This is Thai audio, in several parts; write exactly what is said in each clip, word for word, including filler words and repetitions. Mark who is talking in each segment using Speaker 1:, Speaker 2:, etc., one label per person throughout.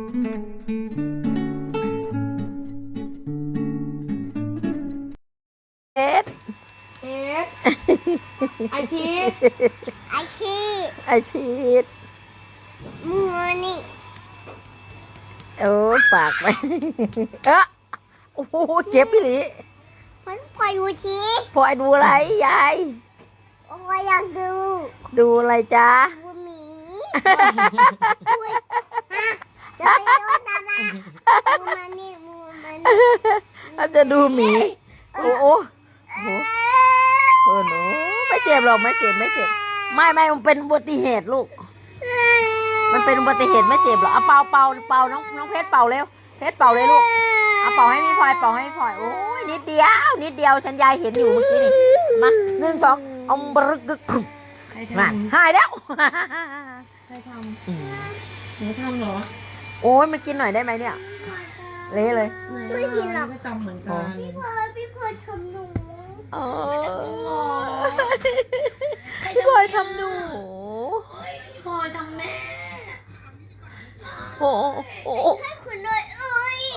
Speaker 1: เอ็ด
Speaker 2: เอ็ดไอที
Speaker 3: ไอชี
Speaker 1: ไอชีด
Speaker 3: มือนี่
Speaker 1: โอ้ปากไปเอ๊ะโอ้โหเจ็บพี่หลี
Speaker 3: มันพอดูที
Speaker 1: พลอยดูอะไรยาย
Speaker 3: โอ้ยอยากดู
Speaker 1: ดูอะไรจ๊ะ
Speaker 3: ดูหมีอุ๊ยฮะจะไปดูตาบ้ามือมันนี่มือมันนี่
Speaker 1: เราจะดูหมีโอ้โหโอ้โหเออหนูไม่เจ็บหรอกไม่เจ็บไม่เจ็บไม่ไม่มันเป็นอุบัติเหตุลูกมันเป็นอุบัติเหตุไม่เจ็บหรอกเอาเป่าเป่าเป่าน้องน้องเพชรเป่าเร็วเพชรเป่าเลยลูกเอาเป่าให้พี่พลอยเป่าให้พี่พลอยโอ้ยนิดเดียวนิดเดียวฉันยายเห็นอยู่เมื่อกี้นี่มาหนึ่งสองเอาบรึกกึกมาหายแล้ว
Speaker 2: ใครทำหนูทำเหรอ
Speaker 1: โอ้ยมากินหน่อยได้ไหมเนี่ยเละเลย
Speaker 3: ไม่กินหรอก
Speaker 2: ไม่ทำเหมือนกัน
Speaker 3: พี่พลอยพี่พลอยทำหนู
Speaker 1: เออพี่พลอยทำหนู
Speaker 2: พี่พลอยทำแม่
Speaker 1: โอ้โอ้
Speaker 3: ให้คุณหน่อยเอ้ย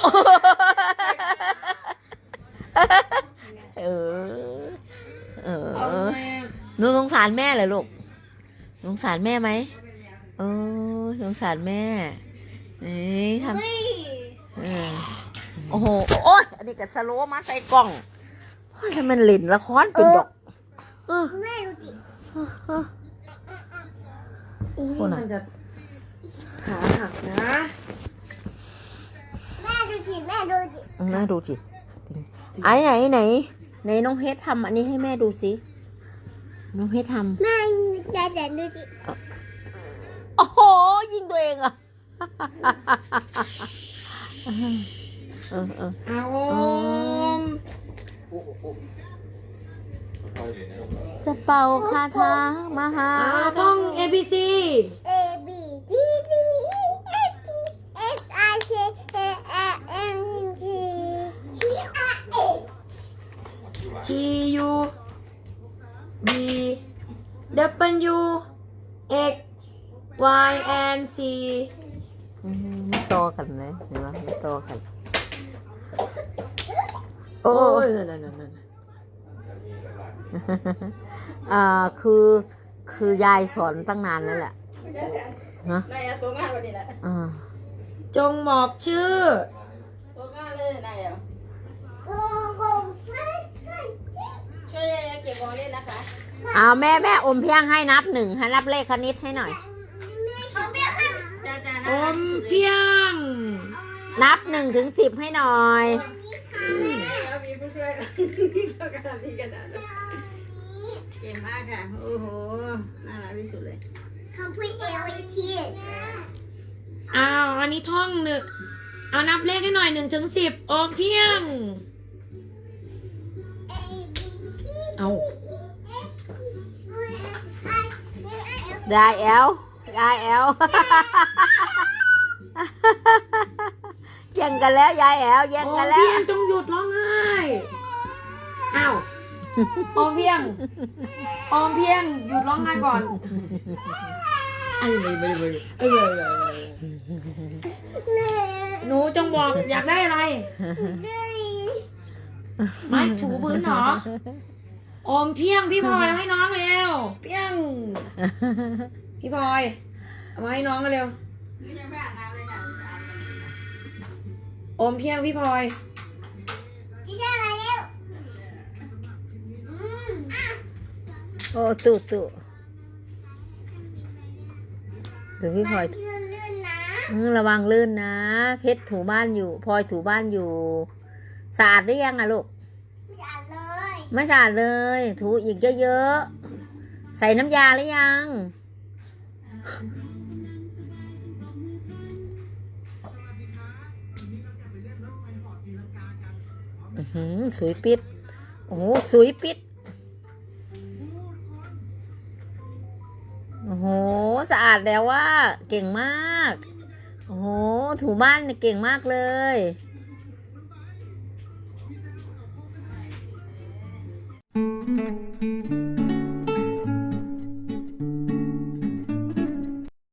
Speaker 1: เออเอ
Speaker 2: เอา
Speaker 1: อ
Speaker 2: แม่
Speaker 1: หนูสงสารแม่เหรอลูกสงสารแม่ไหมเออสงสารแม่นี่ทำ
Speaker 3: เฮ้ย
Speaker 1: เออโอ้โหโอ้ยอันนี้ก็สโลว์มาใส่กล่องโอ้ยทำไมเล่นละครเป็นดอกเออ
Speaker 3: แม่ดูดิ
Speaker 1: เออเออ
Speaker 2: อุ้ยมันจะขาหักนะ
Speaker 3: แม่ดูดิแม่ดูดิ
Speaker 1: น่าดูจิไอ้ไหนไหนไหนน้องเพชรทำอันนี้ให้แม่ดูสิน้องเพชรทำ
Speaker 3: แม่แต่แต่ดูดิ
Speaker 1: โอ้โหยิงตัวเองอะเออเออ
Speaker 2: เอาม
Speaker 1: จะเป่าคาถามหา
Speaker 2: เอาท่อง A B C
Speaker 3: A B D D E F G H I J K L M N P Q R S
Speaker 2: T U B W X Y and Z
Speaker 1: อืมไม่โตกันเลยเห็นไหมไม่โตกัน โอ้
Speaker 2: โอ้ย
Speaker 1: ย
Speaker 2: นั่นนั่นนั่น
Speaker 1: อ่าคือคือยายสอนตั้งนานแล้วแหละฮะ
Speaker 4: นายเอาตัวงานวันนี้แหละ
Speaker 1: อ่า
Speaker 2: จงบอกชื่อ
Speaker 4: ตัวงานเลยนายเอา
Speaker 3: โอ้โหไม่
Speaker 4: ช่วยเก็บของเล่นนะคะ
Speaker 1: เอาแม่แม่อมเพียงให้นับหนึ่งให้นับเลขคณิตให้หน่อย
Speaker 3: เอาเบี้ยค่ะ
Speaker 4: จ้าจ้า
Speaker 2: อมเพียง
Speaker 1: นับหนึ่งถึงสิบให้หน่อย
Speaker 4: เอามีผู้ช่วยเรากำลังมีกันนะเก่งมากค่ะ โอ้โห น่ารักที่สุดเลย
Speaker 3: คำพูดเอลที
Speaker 2: อ้าวอันนี้ท่องหนึ่งเอานับเลขให้หน่อยหนึ่งถึงสิบอมเพียง เอา
Speaker 1: ยายแอลยายแอล แย่งกันแล้วยายแอลแย่ง
Speaker 2: อ
Speaker 1: กัน
Speaker 2: ม
Speaker 1: แล้
Speaker 2: เพี
Speaker 1: วย
Speaker 2: งจงหยุดร้องไห้อ้าวอมเพียงอมเพียงหยุดร้องไห้ก่อนไอ้ไม่ไม่ไม่เออหนูจงบอกอยากได้อะไร ไม่ถูพื้นเหรออมเพียงพี่พลอยเอาให้น้องเร็วเพียงพี่พลอยเอามาให้น้องกันเร็วอมเพียงพี่พลอย
Speaker 3: จีน่ามาเร็ว
Speaker 1: โอ้ตู่ตู่เดี๋ยวพี่พลอย
Speaker 3: ลื่นลื่นนะ
Speaker 1: อืมระวังลื่นนะ เพชรถูบ้านอยู่พลอยถูบ้านอยู่สะอาดหรือยังอะลูก
Speaker 3: อย่าเลย
Speaker 1: ไม่สะอาดเลย ถูอีกเยอะๆใส่น้ำยาหรือยังอื้อหือสวยปิดโอ้โหสวยปิดโอ้โหสะอาดแล้วว่าเก่งมากโอ้โหถูบ้านเนี่ยเก่งมากเลย